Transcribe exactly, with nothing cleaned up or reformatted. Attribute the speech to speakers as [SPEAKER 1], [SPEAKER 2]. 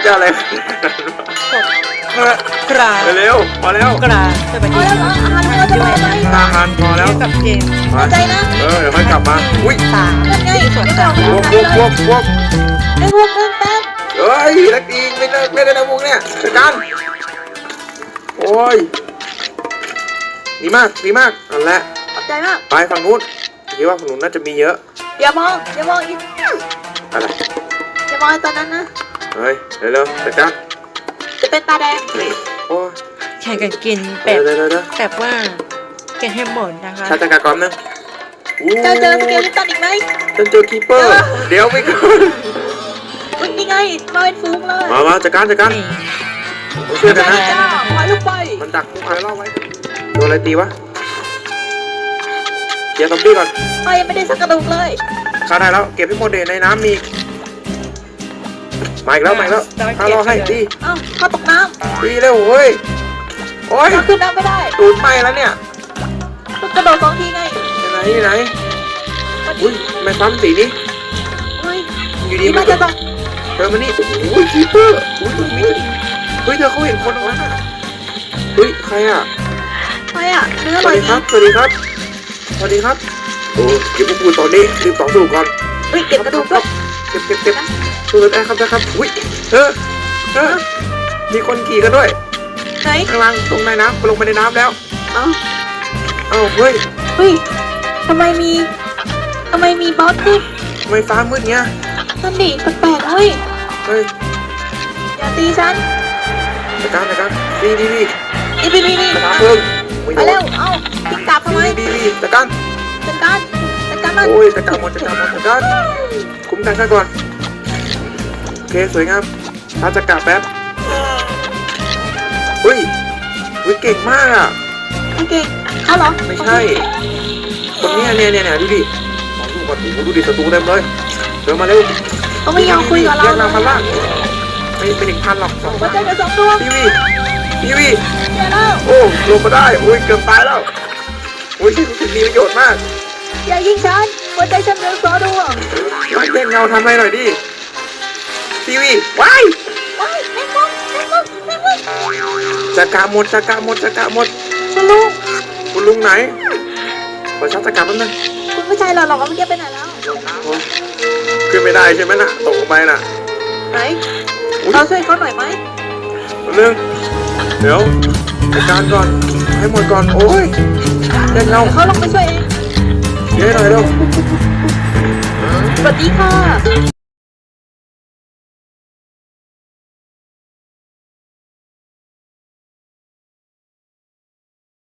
[SPEAKER 1] จะอะไร
[SPEAKER 2] กระกรา
[SPEAKER 1] เร็วพอแล้ว
[SPEAKER 2] กราสวัส
[SPEAKER 3] พอ
[SPEAKER 2] ดี
[SPEAKER 3] แล้วเหรออาหารเราจะรอไหม
[SPEAKER 1] อาหารพอแล้ว
[SPEAKER 2] กับเกม
[SPEAKER 1] มา
[SPEAKER 3] ใจนะ
[SPEAKER 1] เออเดี๋ยวค่อยกลับมาอุ้ย
[SPEAKER 2] สาม
[SPEAKER 3] นั่นไง
[SPEAKER 2] ส่วน
[SPEAKER 3] ไม่
[SPEAKER 2] สา
[SPEAKER 3] ต้
[SPEAKER 2] ม
[SPEAKER 3] อง
[SPEAKER 1] พวกพวกพวกพวก
[SPEAKER 3] ไอ้พวกเรื่องแป๊บ
[SPEAKER 1] เฮ้ยนักดีไม่เลิกไม่ได้นะพวกเนี่ยจัดการโอ้ยดีมากดีมากนั่นแหละ
[SPEAKER 3] ขอบใจมาก
[SPEAKER 1] ไปฝั่งนู้นคิดว่าฝั่งนู้นน่าจะมีเยอะ
[SPEAKER 3] อย่ามองอย่ามองอีก
[SPEAKER 1] อะไร
[SPEAKER 3] อย่ามองตอนนั้นนะ
[SPEAKER 1] เฮ้ยเร็วๆจัดการ
[SPEAKER 3] จะเป็นตาแดง
[SPEAKER 1] นี่โอ้ย
[SPEAKER 2] แข่งกันกินแบ
[SPEAKER 1] เดี๋ย
[SPEAKER 2] บ
[SPEAKER 1] วเดี๋ยวเดี๋ยว
[SPEAKER 2] แบบว่ากินให้หมดนะคะ
[SPEAKER 1] ชาจัดการก่อนนะอู้
[SPEAKER 3] เจอเจอสเกลลิตันอีกไหม
[SPEAKER 1] ฉันเจอคีเปอร์เดี๋ยวไม่ก่อน
[SPEAKER 3] อุ๊ยนี่ไงมาเป็นฟูงเลย
[SPEAKER 1] มามาจัดการจัดการ
[SPEAKER 2] นี่
[SPEAKER 1] มาช่วยกัน
[SPEAKER 3] จ้า
[SPEAKER 1] นะ
[SPEAKER 3] จ้าปล่อยลูกไป
[SPEAKER 1] มันดักทุกคนรอบไว้โดนอะไรตีวะเกียร์ซอมบี้ก่อน
[SPEAKER 3] ไปยังไม่ได้สักกระดูกเลย
[SPEAKER 1] ฆ่าได้แล้วเก็บให้หมดเลยในน้ำมีอีกมาอีกแล้วมาอีกแล้วฆ่ารอให้ตี
[SPEAKER 3] เอ้าเขาตกน้
[SPEAKER 1] ตีเร็วเฮ้ยโอ้ย
[SPEAKER 3] ำเขาขึ้นน้ำไม่ได้
[SPEAKER 1] ตูดไหม้แล้วเนี่ย
[SPEAKER 3] ต้องกระโดดสองทีไง
[SPEAKER 1] ที่ไหนที่ไหน
[SPEAKER 3] มัน
[SPEAKER 1] อุ้ยทำไม่ซ้ำสีนี้
[SPEAKER 3] เฮ้ย
[SPEAKER 1] อยู่ดี
[SPEAKER 3] นี่
[SPEAKER 1] มั
[SPEAKER 3] มัน นจะต้อง
[SPEAKER 1] เธอมานี่อุ้ยคีเปอร์อุ้ยตรงนี้เฮ้ยเธอเขาเห็นคนตรงนั้นอ่ะเฮ้ยใครอ่ะ
[SPEAKER 3] ไปอ่ะเนื้อ
[SPEAKER 1] ส
[SPEAKER 3] อร่
[SPEAKER 1] วั
[SPEAKER 3] อ
[SPEAKER 1] ส
[SPEAKER 3] ย
[SPEAKER 1] ดี
[SPEAKER 3] ดี
[SPEAKER 1] ครับสวัสดีครับสวัสดีครับโอ้เก็บพวกคุณตอนนี้รีบต่อสู้ก่อน
[SPEAKER 3] เฮ้ยเก็บกระดูกด้วย
[SPEAKER 1] เก็บเก็บเก็บสู้ได้ครับได้ครับอุ้ยเธอเธอมีคนขี่กันด้วย
[SPEAKER 3] ไหน
[SPEAKER 1] ข้างล่างตรงในน้ำลงไปในน้ำแล้ว
[SPEAKER 3] เอ้า
[SPEAKER 1] เอ้าเฮ้ย
[SPEAKER 3] เฮ้ยทำไมมีทำไมมีบอสขึ้น
[SPEAKER 1] ทำไมฟ้ามืดเงี้ย
[SPEAKER 3] นั่นดิแปลกๆเฮ้ย
[SPEAKER 1] เฮ้ย
[SPEAKER 3] อย่าตีฉัน
[SPEAKER 1] จัดการจัดการดีดีดี
[SPEAKER 3] อีบีบีบี
[SPEAKER 1] จัดการเพิ่งไม่
[SPEAKER 3] ไป
[SPEAKER 1] โด
[SPEAKER 3] เร็
[SPEAKER 1] น
[SPEAKER 3] วเอ้าติดกลับทำไม
[SPEAKER 1] ดีดีดีจัดการ
[SPEAKER 3] จัดการจัดการมัน
[SPEAKER 1] โอ้ยจัดการหมดจัดการหมดจัดการคุ้มกันซะก่อนโอเคสวยงามถ้าจะกลับแป๊บเฮ้ยเฮ้ยเก่งมากอ่ะ
[SPEAKER 3] โอเคเอาเหรอ
[SPEAKER 1] ไม่ใช่คนเนี้ยเนี่ยเนี่ยเนี่ยดูดิมองดูก่อนโอ้โหดูดิศัตรูเต็มเลยเดินมาเร็ว
[SPEAKER 3] เขาไม่ยอมคุยกับเรา
[SPEAKER 1] แยกเราพันล่างไม่เป็นถึงพันหรอกสอง
[SPEAKER 3] หั
[SPEAKER 1] พั
[SPEAKER 3] วน ใจเป็นสองดวง
[SPEAKER 1] ทีวีทีวี
[SPEAKER 3] เดี๋ยวแล้ว
[SPEAKER 1] โอ้ลงมาได้โอ้ยเกือบตายแล้วโอ้ยรู้สึกมีประโยชน์มาก
[SPEAKER 3] อย่ายิงฉันหัวใจฉันเป็นสองดวง
[SPEAKER 1] มาเล่นเงาทำอะไรหน่อยดิทีวีว้าย
[SPEAKER 3] ว้ายแม่มุกแม่มุกแม่มุก
[SPEAKER 1] จักระหมดจักระหมดจักระหมด
[SPEAKER 3] คุณลุง
[SPEAKER 1] คุณลุงไหนขอชักจักระแป๊บนึง
[SPEAKER 3] คุณผู้ชายหล่อๆก็ไม่เก็บไปไหนแล้ว
[SPEAKER 1] โอ้ยขึ้นไม่ได้ใช่ไหมน่ะตกลงไปน่ะ
[SPEAKER 3] ไหน
[SPEAKER 1] อุ๊ย
[SPEAKER 3] เราช่วยเขาหน่อยไหม
[SPEAKER 1] แป๊บนึงเดี๋ยวจัดการก่อนให้หมดก่อนโอ้ยเล่นเงา
[SPEAKER 3] เขาลงไปช่วยเอง
[SPEAKER 1] เยอะหน่อยเร็ว
[SPEAKER 3] สวัสดีค่ะ